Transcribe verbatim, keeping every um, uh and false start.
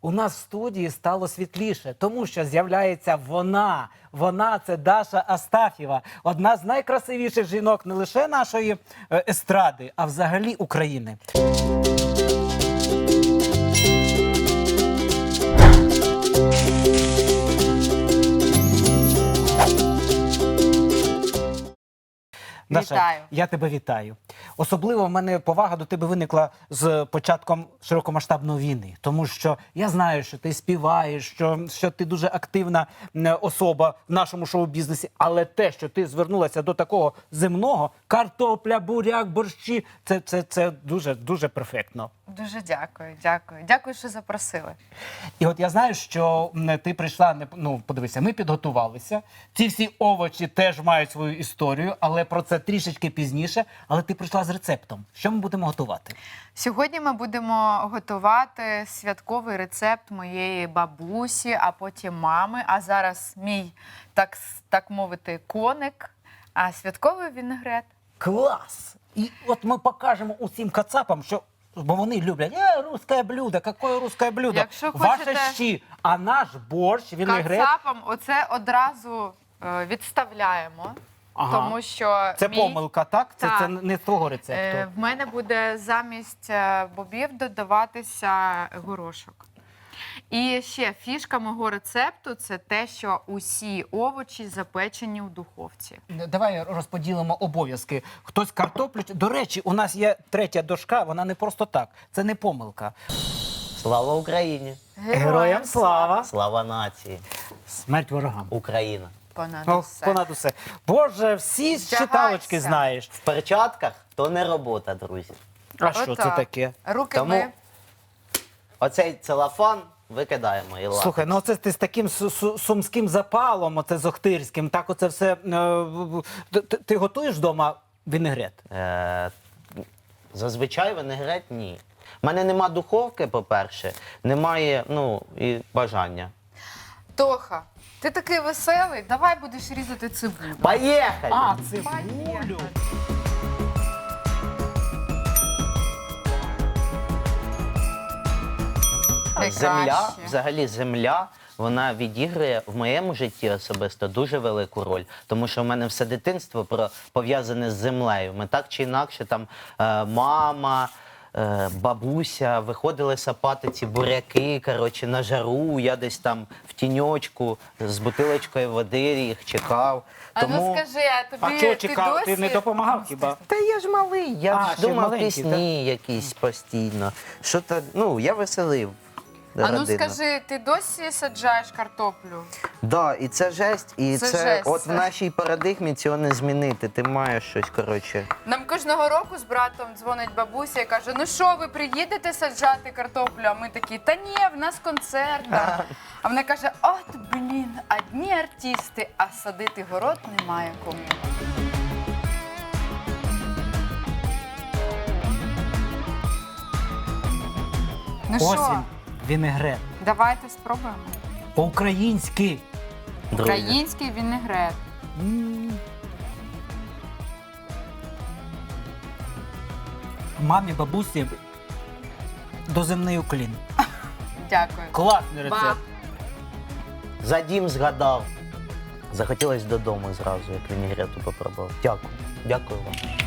У нас в студії стало світліше, тому що з'являється вона. Вона – це Даша Астафєва, одна з найкрасивіших жінок не лише нашої е, естради, а взагалі України. Даша, Вітаю. я тебе вітаю. Особливо в мене повага до тебе виникла з початком широкомасштабної війни. Тому що я знаю, що ти співаєш, що, що ти дуже активна м, особа в нашому шоу-бізнесі. Але те, що ти звернулася до такого земного, картопля, буряк, борщі, це, це, це дуже, дуже перфектно. Дуже дякую, дякую. Дякую, що запросили. І от я знаю, що м, ти прийшла, не- ну, подивися, ми підготувалися. Ці всі овочі теж мають свою історію, але про це трішечки пізніше. Але ти прийшла з рецептом. Що ми будемо готувати? Сьогодні ми будемо готувати святковий рецепт моєї бабусі, а потім мами. А зараз мій, так, с- так мовити, коник, а святковий вінегрет. Клас! І от ми покажемо усім кацапам, що бо вони люблять е, русське блюдо, яке русське блюдо? Якщо Ваше хочете- щі, а наш борщ, вінегрет. Кацапам оце одразу е, відставляємо, Ага. тому що Це мій... помилка, так? Це, Так. це не з твого рецепту. Е, В мене буде замість е, бобів додаватися горошок. І ще фішка мого рецепту – це те, що усі овочі запечені в духовці. Давай розподілимо обов'язки. Хтось картоплю. До речі, у нас є третя дошка, вона не просто так. Це не помилка. Слава Україні! Героям слава! Слава нації! Смерть ворогам. Україна! Понад О, усе. понад усе. Боже, всі Вдягайся. читалочки знаєш. В перчатках то не робота, друзі. А що це Отак. таке? Руки Тому ми... Оцей целофан викидаємо і ладно. Слухай, ну це ти з таким су- су- сумським запалом, оце з Охтирським, так оце все. е, ти- Ти ти готуєш вдома вінегрет? Е, зазвичай винегрет ні. У мене нема духовки, по-перше, немає ну, і бажання. Тоха, ти такий веселий, давай будеш різати цибулю. Поїхали! А, цибулю. Земля, Найкраще. взагалі земля, вона відіграє в моєму житті особисто дуже велику роль. Тому що в мене все дитинство про- пов'язане з землею. Ми так чи інакше, там е, мама, е, бабуся виходили сапати ці буряки, коротше, на жару. Я десь там в тіньочку з бутилочкою води їх чекав. А ну скажи, а тобі А чого ти чекав? досі... Ти не допомагав хіба? Та я ж малий, я А, ж ще думав маленький, пісні якісь постійно. Що то, ну, я веселив. А ну родину. скажи, ти досі саджаєш картоплю? Да, і це жесть, і Це це, жесть, от це. в нашій парадигмі цього не змінити. Ти маєш щось, коротше. Нам кожного року з братом дзвонить бабуся і каже, ну що, ви приїдете саджати картоплю? А ми такі, та ні, в нас концерт. да». А вона каже, от, блін, одні артисти, а садити город немає кому. Ну що, Осінь, вінегрет. давайте спробуємо. По-українськи. Друзі. Український вінегрет. М. Мамі, бабусі, доземний уклін. Дякую. Класний рецепт. Ба. За дім згадав. Захотілося додому зразу, як вінігрету попробував. Дякую. Дякую вам.